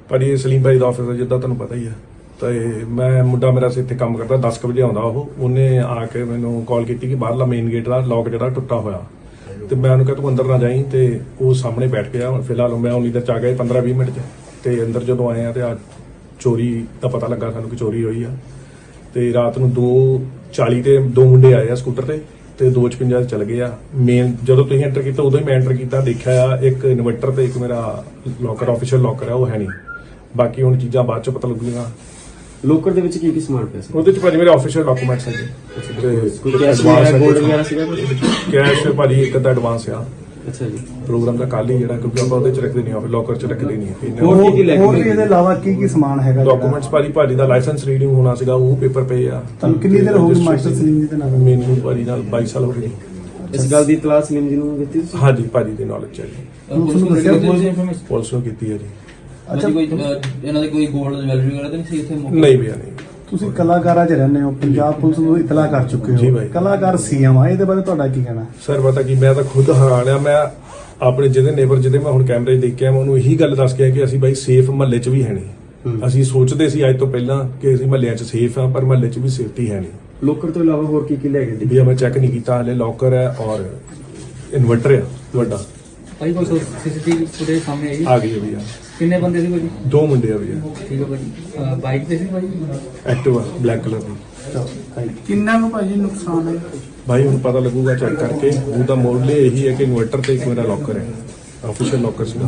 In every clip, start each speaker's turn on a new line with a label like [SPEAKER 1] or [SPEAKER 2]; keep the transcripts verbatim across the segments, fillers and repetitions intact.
[SPEAKER 1] ਭਾਜੀ ਸਲੀਮ ਭਾਈ ਦਾ ਆਫਿਸ ਹੈ, ਜਿੱਦਾਂ ਤੁਹਾਨੂੰ ਪਤਾ ਹੀ ਹੈ। ਤੇ ਮੈਂ ਮੁੰਡਾ ਮੇਰਾ ਇੱਥੇ ਕੰਮ ਕਰਦਾ, ਦਸ ਕੁ ਵਜੇ ਆਉਂਦਾ ਉਹ। ਉਹਨੇ ਆ ਕੇ ਮੈਨੂੰ ਕਾਲ ਕੀਤੀ ਕਿ ਬਾਹਰਲਾ ਮੇਨ ਗੇਟ ਦਾ ਲੌਕ ਜਿਹੜਾ ਟੁੱਟਾ ਹੋਇਆ, ਤੇ ਮੈਂ ਉਹਨੂੰ ਕਿਹਾ ਤੂੰ ਅੰਦਰ ਨਾ ਜਾਈਂ। ਤੇ ਉਹ ਸਾਹਮਣੇ ਬੈਠ ਗਿਆ। ਫਿਲਹਾਲ ਮੈਂ ਉਨੀ ਦੇਰ ਚ ਆ ਗਿਆ ਪੰਦਰਾਂ ਵੀਹ ਮਿੰਟ ਚ। ਤੇ ਅੰਦਰ ਜਦੋਂ ਆਏ ਆ ਤੇ ਆ ਚੋਰੀ ਦਾ ਪਤਾ ਲੱਗਾ ਸਾਨੂੰ ਕਿ ਚੋਰੀ ਹੋਈ ਆ। ਤੇ ਰਾਤ ਨੂੰ ਦੋ ਚਾਲੀ ਤੇ ਦੋ ਮੁੰਡੇ ਆਏ ਆ ਸਕੂਟਰ ਤੇ ਤੇ ਦੋ ਛਪੰਜਾ ਚਲ ਗਏ ਆ। ਮੇਨ ਜਦੋਂ ਤੁਸੀਂ ਐਂਟਰ ਕੀਤਾ ਉਦੋਂ ਹੀ ਮੈਂ ਐਂਟਰ ਕੀਤਾ, ਦੇਖਿਆ ਇੱਕ ਇਨਵਰਟਰ ਤੇ ਇੱਕ ਮੇਰਾ ਲੋਕਰ ਆਫੀਸ਼ੀਅਲ ਲੋਕਰ ਹੈ ਉਹ ਹੈ ਨਹੀਂ। ਬਾਕੀ ਹੁਣ ਚੀਜ਼ਾਂ ਬਾਅਦ ਚ ਪਤਾ ਲੱਗੂਗੀਆਂ।
[SPEAKER 2] ਲੋਕਰ ਦੇ ਵਿੱਚ ਕੀ ਕੀ ਸਮਾਨ ਪਿਆ ਸੀ?
[SPEAKER 1] ਉਹਦੇ ਚ ਭਾਜੀ ਮੇਰੇ ਆਫੀਸ਼ੀਅਲ ਡਾਕੂਮੈਂਟਸ ਹੈਗੇ।
[SPEAKER 2] ਕੋਈ ਕੈਸ਼ ਵਗੈਰਾ ਗੋਲਡ ਵਗੈਰਾ ਸੀਗਾ?
[SPEAKER 1] ਕੈਸ਼ ਭਾਜੀ ਇੱਕ ਤਾਂ ਐਡਵਾਂਸ ਆ।
[SPEAKER 2] ਅੱਛਾ ਜੀ।
[SPEAKER 1] ਪ੍ਰੋਗਰਾਮ ਦਾ ਕੱਲ ਹੀ ਜਿਹੜਾ, ਕਿਉਂਕਿ ਆਪਾਂ ਉਹਦੇ ਚ ਰੱਖਦੇ ਨਹੀਂ, ਆਫਿਸ ਲੋਕਰ ਚ ਰੱਖਦੇ ਨਹੀਂ।
[SPEAKER 2] ਹੋਰ ਕੀ ਕੀ ਲੈ
[SPEAKER 3] ਹੋਰ ਵੀ
[SPEAKER 2] ਕੇ
[SPEAKER 3] ਇਹਦੇ ਇਲਾਵਾ ਕੀ ਕੀ ਸਮਾਨ ਹੈਗਾ?
[SPEAKER 1] ਡਾਕੂਮੈਂਟਸ ਭਾਜੀ ਭਾਜੀ ਦਾ ਲਾਇਸੈਂਸ ਰੀਡਿੰਗ ਹੋਣਾ ਸੀਗਾ, ਉਹ ਪੇਪਰ ਪਏ ਆ।
[SPEAKER 3] ਤੁਹਾਨੂੰ ਕਿੰਨੀ ਦੇਰ ਹੋ ਗਈ ਮਾਸਟਰ ਸਲੀਮ ਜੀ ਦੇ ਨਾਲ?
[SPEAKER 1] ਮੈਨੂੰ ਭਾਜੀ ਨਾਲ ਬਾਈ ਸਾਲ ਹੋ ਗਏ।
[SPEAKER 2] ਇਸ ਗੱਲ ਦੀ ਇਤਲਾਹ ਸਲੀਮ ਜੀ ਨੂੰ ਦਿੱਤੀ ਤੁਸੀਂ?
[SPEAKER 1] ਹਾਂਜੀ ਭਾਜੀ ਦੀ ਨੌਲੇਜ ਹੈ ਜੀ,
[SPEAKER 3] ਪੁਲਿਸ ਨੂੰ ਦੱਸਿਆ?
[SPEAKER 1] ਪੁਲਿਸ ਨੂੰ ਕੀਤੀ ਹੈ ਜੀ।
[SPEAKER 4] ਅੱਛਾ, ਕੋਈ ਇਹਨਾਂ ਦੇ ਕੋਈ ਗੋਲਡ ਜਵੈਲਰੀ ਵਗੈਰਾ ਤਾਂ ਨਹੀਂ ਸੀ ਇੱਥੇ?
[SPEAKER 1] ਨਹੀਂ ਭਈਆ ਨਹੀਂ।
[SPEAKER 3] ਤੁਸੀਂ ਕਲਾਕਾਰਾਂ 'ਚ ਰਹਿੰਦੇ ਹੋ, ਪੰਜਾਬ ਪੁਲਿਸ ਨੂੰ ਇਤਲਾਹ ਕਰ ਚੁੱਕੇ
[SPEAKER 1] ਜੀ
[SPEAKER 3] ਹੋ,
[SPEAKER 1] ਬਾਈ।
[SPEAKER 3] ਕਲਾਕਾਰ ਸੀਐਮ ਆ, ਇਹਦੇ ਬਾਰੇ ਤੁਹਾਡਾ ਕੀ ਕਹਿਣਾ?
[SPEAKER 1] ਸਰ ਪਤਾ ਕੀ, ਮੈਂ ਤਾਂ ਖੁਦ ਹੈਰਾਨ ਆ। ਮੈਂ ਆਪਣੇ ਜਿਹਦੇ ਨੇਬਰ ਜਿਹਦੇ ਮੈਂ ਹੁਣ ਕੈਮਰੇ 'ਚ ਦੇਖ ਕੇ ਆਇਆ, ਮੈਂ ਉਹਨੂੰ ਇਹੀ ਗੱਲ ਦੱਸ ਕੇ ਆਇਆ ਕਿ ਅਸੀਂ ਬਾਈ ਸੇਫ ਮਹੱਲੇ 'ਚ ਵੀ ਹੈ ਨਹੀਂ। ਅਸੀਂ ਸੋਚਦੇ ਸੀ ਅੱਜ ਤੋਂ ਪਹਿਲਾਂ ਕਿ ਅਸੀਂ ਮਹੱਲਿਆਂ 'ਚ ਸੇਫ ਆ, ਪਰ ਮਹੱਲੇ 'ਚ ਵੀ ਸੇਫਟੀ ਹੈ ਨਹੀਂ।
[SPEAKER 2] ਲੋਕਰ ਤੋਂ ਇਲਾਵਾ ਹੋਰ ਕੀ ਕੀ ਲੈ ਗਏ?
[SPEAKER 1] ਭਈਆ ਮੈਂ ਚੈੱਕ ਨਹੀਂ ਕੀਤਾ ਹਲੇ। ਲੋਕਰ ਹੈ ਔਰ ਇਨਵਰਟਰ ਹੈ ਵੱਡਾ।
[SPEAKER 4] ਭਾਈ ਕੋਈ ਸੀਸੀਟੀਵੀ ਫੁਟੇਜ ਸਾਹਮਣੇ ਆਈ?
[SPEAKER 1] ਆ ਗਈ ਹੈ ਭਈਆ।
[SPEAKER 4] ਕਿੰਨੇ ਬੰਦੇ ਸੀ ਭਾਜੀ?
[SPEAKER 1] ਦੋ ਮੁੰਡੇ ਆ ਭਈਆ।
[SPEAKER 4] ਠੀਕ ਹੈ ਭਾਜੀ। ਬਾਈਕ ਤੇ ਸੀ ਭਾਜੀ?
[SPEAKER 1] ਐਕਟਿਵਾ ਬਲੈਕ ਕਲਰ ਦੀ।
[SPEAKER 3] ਕਿੰਨਾ ਕੁ ਭਾਜੀ ਨੁਕਸਾਨ ਹੈ?
[SPEAKER 1] ਭਾਈ ਹੁਣ ਪਤਾ ਲੱਗੂਗਾ ਚੈੱਕ ਕਰਕੇ। ਉਹਦਾ ਮੋਡਲ ਇਹੀ ਹੈ ਕਿ ਇਨਵਰਟਰ ਤੇ ਇੱਕ ਮੇਰਾ ਲੋਕਰ ਹੈ, ਆਫੀਸ਼ੀਅਲ ਲੋਕਰ ਸੀਗਾ।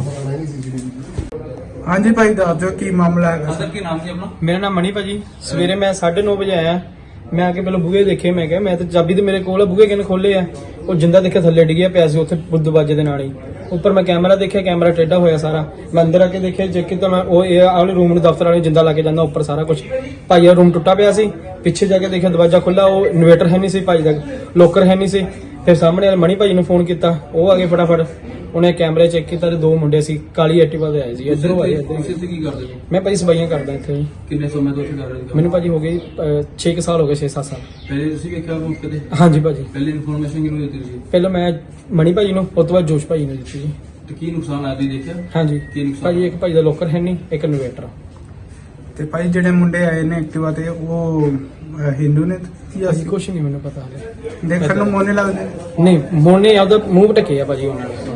[SPEAKER 3] ਹਾਂਜੀ ਭਾਈ ਦੱਸ ਦਿਓ ਕੀ ਮਾਮਲਾ ਹੈਗਾ?
[SPEAKER 4] ਸਰ ਕੀ ਨਾਮ ਸੀ ਆਪਣਾ?
[SPEAKER 5] ਮੇਰਾ ਨਾਮ ਮਣੀ ਭਾਜੀ। ਸਵੇਰੇ ਮੈਂ ਸਾਢੇ ਨੌ ਵਜੇ ਆਇਆ। ਮੈਂ ਆ ਕੇ ਪਹਿਲਾਂ ਬੂਹੇ ਦੇਖੇ। ਮੈਂ ਕਿਹਾ ਮੈਂ ਤੇ ਚਾਬੀ ਤੇ ਮੇਰੇ ਕੋਲ ਆ, ਬੂਹੇ ਕਿਨੇ ਖੋਲੇ ਆ? ਉਹ ਜਿੰਦਾ ਦੇਖਿਆ ਥੱਲੇ ਡਿੱਗਿਆ ਪਿਆ ਸੀ ਉੱਥੇ ਦਰਵਾਜ਼ੇ ਦੇ ਨਾਲ ਹੀ। ਉੱਪਰ ਮੈਂ ਕੈਮਰਾ ਦੇਖਿਆ, ਕੈਮਰਾ ਟੇਢਾ ਹੋਇਆ ਸਾਰਾ। ਮੈਂ ਅੰਦਰ ਆ ਕੇ ਦੇਖਿਆ, ਚੈੱਕ ਕੀਤਾ ਮੈਂ, ਉਹ ਇਹ ਆਲੇ ਰੂਮ ਨੂੰ ਦਫ਼ਤਰ ਵਾਲੇ ਜਿੰਦਾ ਲਾ ਕੇ ਜਾਂਦਾ ਉੱਪਰ ਸਾਰਾ ਕੁਝ। ਭਾਈ ਦਾ ਰੂਮ ਟੁੱਟਾ ਪਿਆ ਸੀ। ਪਿੱਛੇ ਜਾ ਕੇ ਦੇਖਿਆ ਦਰਵਾਜ਼ਾ ਖੁੱਲਾ, ਉਹ ਇਨਵੇਟਰ ਹੈ ਨਹੀਂ ਸੀ ਭਾਈ ਦਾ, ਲੋਕਰ ਹੈ ਨਹੀਂ ਸੀ। ਫਿਰ ਸਾਹਮਣੇ ਵਾਲੇ ਮਣੀ ਭਾਈ ਨੂੰ ਫੋਨ ਕੀਤਾ, ਉਹ ਆ ਗਏ ਫਟਾਫਟ। ਉਹਨੇ ਕੈਮਰੇ ਚੈੱਕ ਕੀਤਾ ਤੇ ਦੋ ਮੁੰਡੇ ਸੀ ਕਾਲੀ ਐਕਟਿਵਾ ਤੇ ਆਏ ਸੀ। ਇੱਧਰੋਂ ਆਏ ਇੱਧਰ।
[SPEAKER 4] ਤੁਸੀਂ ਇੱਥੇ ਕੀ ਕਰਦੇ ਹੋ?
[SPEAKER 5] ਮੈਂ ਭਾਈ ਸਫਾਈਆਂ ਕਰਦਾ ਇੱਥੇ ਜੀ।
[SPEAKER 4] ਕਿੰਨੇ ਸਮੇਂ ਤੋਂ ਇੱਥੇ ਕਰ ਰਹੇ ਹੋ?
[SPEAKER 5] ਮੈਨੂੰ ਭਾਜੀ ਹੋ ਗਏ ਛੇ ਕੁ ਸਾਲ ਹੋ ਗਏ, ਛੇ ਸੱਤ ਸਾਲ।
[SPEAKER 4] ਪਹਿਲੇ ਤੁਸੀਂ ਵੇਖਿਆ ਮੌਕੇ ਤੇ?
[SPEAKER 5] ਹਾਂਜੀ ਭਾਜੀ।
[SPEAKER 4] ਪਹਿਲੇ ਇਨਫੋਰਮੇਸ਼ਨ ਕਿਹਨੂੰ ਦਿੱਤੀ ਸੀ?
[SPEAKER 5] ਪਹਿਲਾਂ ਮੈਂ ਮਣੀ ਭਾਜੀ ਨੂੰ, ਉਸ ਤੋਂ ਬਾਅਦ ਜੋਸ਼ ਭਾਜੀ ਨੂੰ ਦਿੱਤੀ ਜੀ।
[SPEAKER 4] ਤੇ ਕੀ ਨੁਕਸਾਨ ਆਇਆ ਤੁਸੀਂ ਦੇਖਿਆ?
[SPEAKER 5] ਹਾਂਜੀ
[SPEAKER 4] ਕੀ ਨੁਕਸਾਨ?
[SPEAKER 5] ਭਾਜੀ ਇੱਕ ਭਾਜੀ ਦਾ ਲੋਕਰ ਹੈ ਨਹੀਂ, ਇੱਕ ਇਨਵੇਟਰ।
[SPEAKER 3] ਤੇ ਭਾਈ ਜਿਹੜੇ ਮੁੰਡੇ ਆਏ ਨੇ ਐਕਟਿਵਾ ਤੇ, ਉਹ ਅਹ, ਹਿੰਦੂ ਨੇ ਜਾਂ
[SPEAKER 5] ਭਾਜੀ ਕੁਛ ਨਹੀਂ ਮੈਨੂੰ ਪਤਾ ਹਲੇ।
[SPEAKER 3] ਦੇਖਣ ਨੂੰ ਮੋਨੇ ਲੱਗਦੇ?
[SPEAKER 5] ਨਹੀਂ ਮੋਨੇ ਆਪਦਾ ਮੂੰਹ ਢੱਕੇ ਆ ਭਾਜੀ ਉਹਨਾਂ ਨੇ।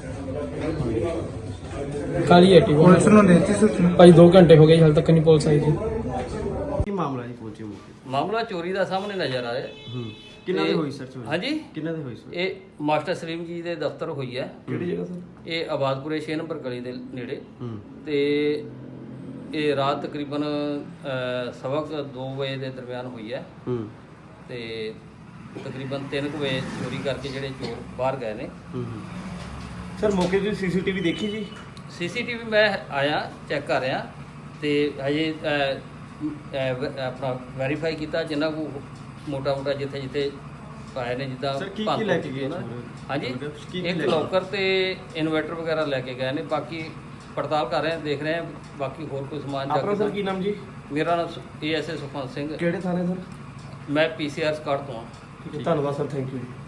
[SPEAKER 5] ਕਾਲੀ ਐਕਟਿਵਾ
[SPEAKER 3] ਪੁਲਿਸ ਨੂੰ ਦੇਤੀ ਸੂਚਨਾ?
[SPEAKER 5] ਭਾਜੀ ਦੋ ਘੰਟੇ ਹੋ ਗਏ, ਹਾਲੇ ਤੱਕ ਨਹੀਂ ਪੁਲਿਸ ਆਈ ਜੀ।
[SPEAKER 2] ਕੀ ਮਾਮਲਾ ਜੀ ਪਹੁੰਚੇ ਮੌਕੇ?
[SPEAKER 6] ਮਾਮਲਾ ਚੋਰੀ ਦਾ ਸਾਹਮਣੇ ਨਜ਼ਰ ਆ ਰਿਹਾ।
[SPEAKER 2] ਹੂੰ। ਕਿੰਨਾ ਦੇ ਹੋਈ ਸਰ ਚੋਰੀ?
[SPEAKER 6] ਹਾਂਜੀ,
[SPEAKER 2] ਕਿੰਨਾ ਦੇ ਹੋਈ ਸਰ?
[SPEAKER 6] ਇਹ ਮਾਸਟਰ ਸਲੀਮ ਜੀ ਦੇ ਦਫ਼ਤਰ ਹੋਈ ਹੈ।
[SPEAKER 2] ਕਿਹੜੀ ਜਗ੍ਹਾ ਸਰ?
[SPEAKER 6] ਇਹ ਆਬਾਦਪੁਰੇ ਛੇ ਨੰਬਰ ਗਲੀ ਦੇ ਨੇੜੇ।
[SPEAKER 2] ਹੂੰ।
[SPEAKER 6] ਤੇ ਇਹ ਰਾਤ ਤਕਰੀਬਨ ਅਹ, ਸਵਾ ਕੁ ਦੋ ਵਜੇ ਦੇ ਦਰਮਿਆਨ ਹੋਈ ਹੈ।
[SPEAKER 2] ਹੂੰ।
[SPEAKER 6] ਤੇ ਤਕਰੀਬਨ ਤਿੰਨ ਕੁ ਵਜੇ ਚੋਰੀ ਕਰਕੇ ਜਿਹੜੇ ਚੋਰ ਬਾਹਰ ਗਏ ਨੇ।
[SPEAKER 2] ਹੂੰ। ਸਰ ਮੌਕੇ ਦੀ ਸੀਸੀਟੀਵੀ ਦੇਖੀ ਜੀ?
[SPEAKER 6] ਸੀਸੀਟੀਵੀ ਮੈਂ ਆਇਆ ਚੈੱਕ ਕਰ ਰਿਹਾ ਤੇ ਹਜੇ ਅਹ, ਅਹ, ਵ- ਆਪਣਾ ਵੈਰੀਫਾਈ ਕੀਤਾ ਜਿੰਨਾ ਕੋ ਮੋਟਾ ਮੋਟਾ ਜਿੱਥੇ ਜਿੱਥੇ ਪਾਏ ਨੇ, ਜਿੱਦਾਂ
[SPEAKER 2] ਸਰ ਕੀ ਕੀ
[SPEAKER 6] ਭੰਨ
[SPEAKER 2] ਲੈ
[SPEAKER 6] ਤੋੜ
[SPEAKER 2] ਕੇ ਗਏ?
[SPEAKER 6] ਕੀਤੀ ਉਹਨਾਂ ਨੇ। ਹਾਂਜੀ,
[SPEAKER 2] ਕੀ ਕੀ
[SPEAKER 6] ਇੱਕ
[SPEAKER 2] ਲੈ ਕੇ
[SPEAKER 6] ਲੋਕਰ ਤੇ ਇਨਵਰਟਰ ਵਗੈਰਾ ਲੈ ਕੇ ਗਏ ਨੇ। ਬਾਕੀ ਪੜਤਾਲ ਕਰ ਰਹੇ ਹਾਂ, ਦੇਖ ਰਹੇ ਹਾਂ ਬਾਕੀ ਹੋਰ ਕੋਈ ਸਮਾਨ
[SPEAKER 2] ਆਪਣਾ ਸਰ
[SPEAKER 6] ਚੱਕ।
[SPEAKER 2] ਕੀ ਨਾਮ ਜੀ?
[SPEAKER 6] ਮੇਰਾ ਨਾਮ A S A Sukhwant Singh.
[SPEAKER 2] ਕਿਹੜੇ ਥਾਣੇ ਸਰ?
[SPEAKER 6] ਮੈਂ ਪੀ ਸੀ ਆਰ ਸਕਾਟ ਤੋਂ ਹਾਂ।
[SPEAKER 2] ਧੰਨਵਾਦ ਸਰ, ਥੈਂਕ ਯੂ ਜੀ।